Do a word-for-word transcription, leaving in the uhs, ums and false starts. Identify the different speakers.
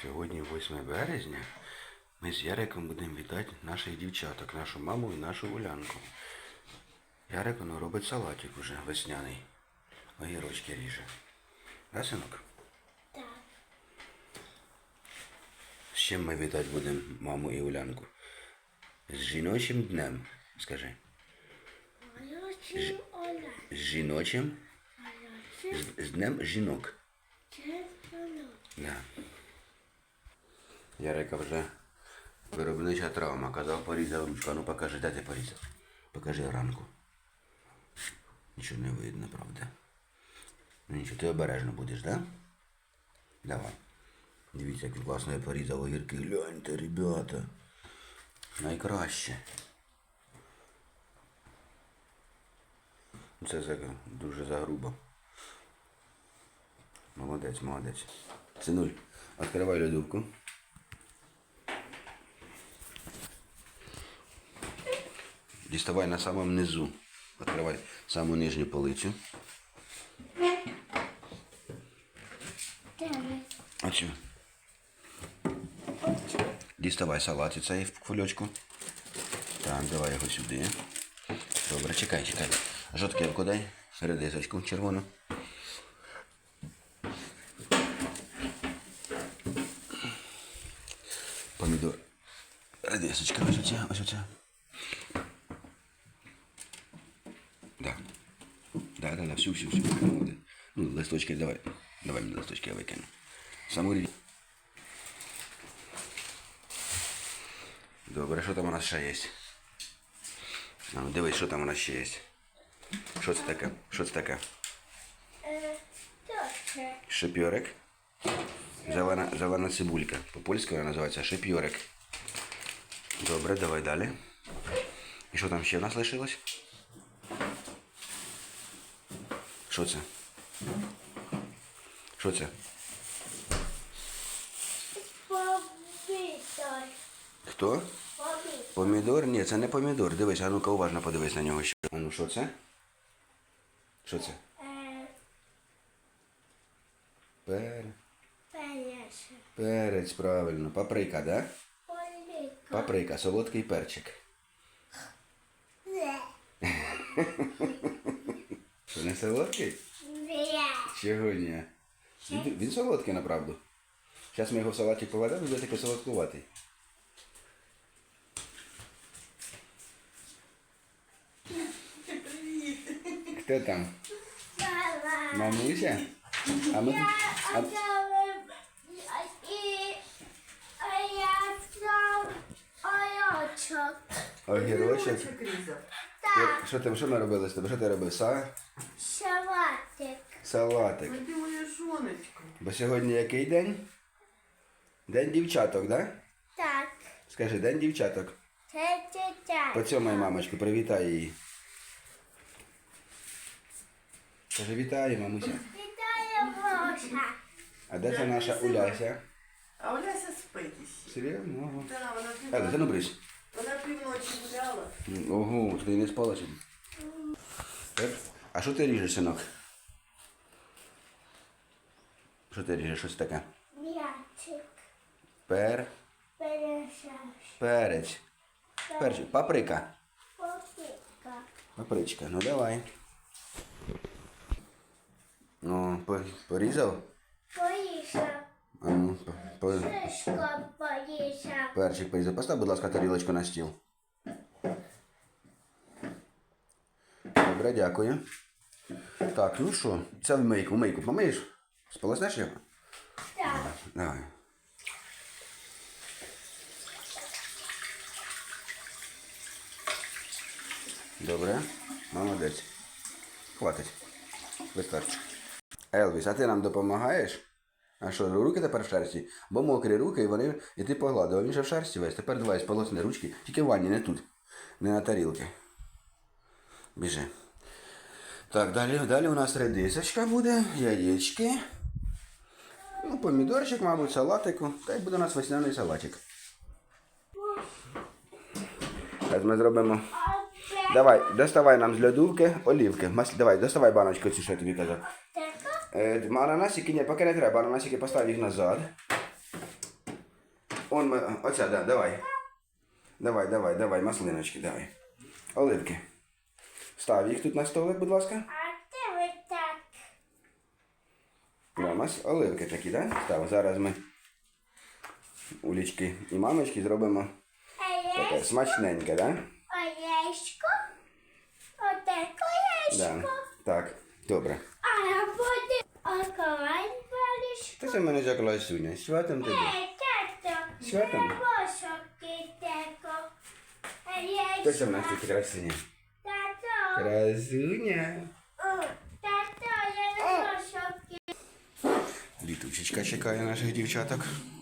Speaker 1: Сьогодні восьме березня. Ми з Яриком будемо вітати наших дівчаток, нашу маму і нашу Улянку. Ярик воно робить салатик уже весняний. Огірочки ріже. Да, синок?
Speaker 2: Так.
Speaker 1: З чим ми вітати будемо маму і Улянку? З жіночим днем, скажи.
Speaker 2: Олючим Оля.
Speaker 1: З жіночим?
Speaker 2: Олючим
Speaker 1: З, з днем жінок.
Speaker 2: Червоно.
Speaker 1: Да. Ярика вже виробнича травма. Казав, порізав ручку. А ну покажи, де ти порізав? Покажи ранку. Нічого не видно, правда? Ну нічого, ти обережно будеш, да? Давай. Дивіться, як класно я порізав огірки. Гляньте, ребята. Найкраще. Це за, дуже загрубо. Молодець, молодець. Синуль, відкривай льодовку. Діставай на самому низу. Відкривай саму нижню полицю.
Speaker 2: Дев'ять.
Speaker 1: Оцю. Діставай салат цей в кульочку. Так, давай його сюди. Добре, чекай, чекай. Жовтківку дай. Редисочку червону. Помідор. Редисочка, ось оця, ось оця. Да. Да, да, да, всю, всю, всю. Ну, листочки давай. Давай мені листочки я викину. Саму річ. Добре, що там у нас ще є? А ну дивись, що там у нас ще є. Що це таке? Що це таке?
Speaker 2: Е, що це?
Speaker 1: Шипьорик. Зелена, зелена цибулька. По-польськи вона називається шипьорик. Добре, давай далі. І що там ще в нас лишилось? Що це? Що це?
Speaker 2: Помідор.
Speaker 1: Хто?
Speaker 2: Помідор.
Speaker 1: Помідор? Ні, це не помідор. Дивись, а ну-ка уважно подивись на нього ще. А ну що це? Що це?
Speaker 2: Е,
Speaker 1: Пер...
Speaker 2: перець.
Speaker 1: Перець, правильно. Паприка, да?
Speaker 2: Оліка.
Speaker 1: Паприка, солодкий перчик.
Speaker 2: Не.
Speaker 1: Що, не солодкий?
Speaker 2: Не.
Speaker 1: Чого ні? Він, він солодкий, направду. Зараз ми його в салатик поведемо, буде такий солодкуватий. Хто там?
Speaker 2: Салат.
Speaker 1: Мамуся? А ми тут...
Speaker 2: А
Speaker 1: А...
Speaker 2: це і а я сам ойочок.
Speaker 1: Огірочок.
Speaker 2: Так,
Speaker 1: Що там, що ми робили з тобою? Що ти робив? Са?
Speaker 2: салатик.
Speaker 1: Салатик.
Speaker 3: Ой, ти моя жоночка.
Speaker 1: Бо сьогодні який день? День дівчаток, да?
Speaker 2: Так,
Speaker 1: Скажи, день дівчаток.
Speaker 2: це дитя.
Speaker 1: Поцьомай мамочку, привітай її. Скажи, вітаю, мамуся.
Speaker 2: Вітаю, Гоша.
Speaker 1: А де це наша Уляся?
Speaker 3: А Оляся спить іще.
Speaker 1: Серйозно? Ого.
Speaker 3: Да, вона
Speaker 1: Еле,
Speaker 3: пів...
Speaker 1: та ну брись.
Speaker 3: вона півночі гуляла.
Speaker 1: Ого, ти не спала сьогодні? Так. А що ти ріжеш, синок? Що ти ріжеш? Щось таке?
Speaker 2: М'ячик.
Speaker 1: Пер...
Speaker 2: Перешаш.
Speaker 1: Перець. Перчик. Паприка.
Speaker 2: Попіка.
Speaker 1: Папричка. Ну давай. Ну, по- порізав?
Speaker 2: Поїшав.
Speaker 1: А ну, по- по-
Speaker 2: Шишко поїшав.
Speaker 1: перчик порізав. Постав, будь ласка, тарілочку на стіл. Добре, дякую. Так, ну що, це в мийку. В мийку помиєш? Сполоснеш його?
Speaker 2: Так.
Speaker 1: Давай. Добре, молодець. Хватить. Вистачить. Елвіс, а ти нам допомагаєш? А що, руки тепер в шерсті? Бо мокрі руки, і вони, і ти погладив. А він же в шерсті весь. Тепер давай сполосни ручки. Тільки в ванні, не тут. Не на тарілки. Біжи. Так, далі, далі у нас редисочка буде, яєчки. Ну, помідорчик, мабуть, салатику. Та й буде у нас весняний салатик. Так, ми зробимо. Давай, доставай нам з льодовки олівки. Мас... Давай, доставай баночку цю, що я тобі казав.
Speaker 2: Така?
Speaker 1: Е, ананасики, ні, поки не треба. Ананасики постав їх назад. Он, ми- оця, да, давай. Давай, давай, давай, маслиночки, давай. Оливки. Став їх тут на столик, будь ласка.
Speaker 2: А ти ви так.
Speaker 1: Да, мас... Оливки такі, да? Став. Зараз ми Улічки і мамочки зробимо таке
Speaker 2: Яєчко,
Speaker 1: смачненьке, да?
Speaker 2: яєчко, отаке
Speaker 1: Да.
Speaker 2: яєчко.
Speaker 1: Так, добре.
Speaker 2: А буде околань валішко.
Speaker 1: Це в мене жакло Суня. Святом тобі.
Speaker 2: Е, тато,
Speaker 1: Святом?
Speaker 2: бабошок теко.
Speaker 1: Хто це в нас
Speaker 2: Яєчко.
Speaker 1: тут красуня?
Speaker 2: Тато,
Speaker 1: Красуня.
Speaker 2: о, тато, я не бабошок.
Speaker 1: Літучечка чекає наших дівчаток.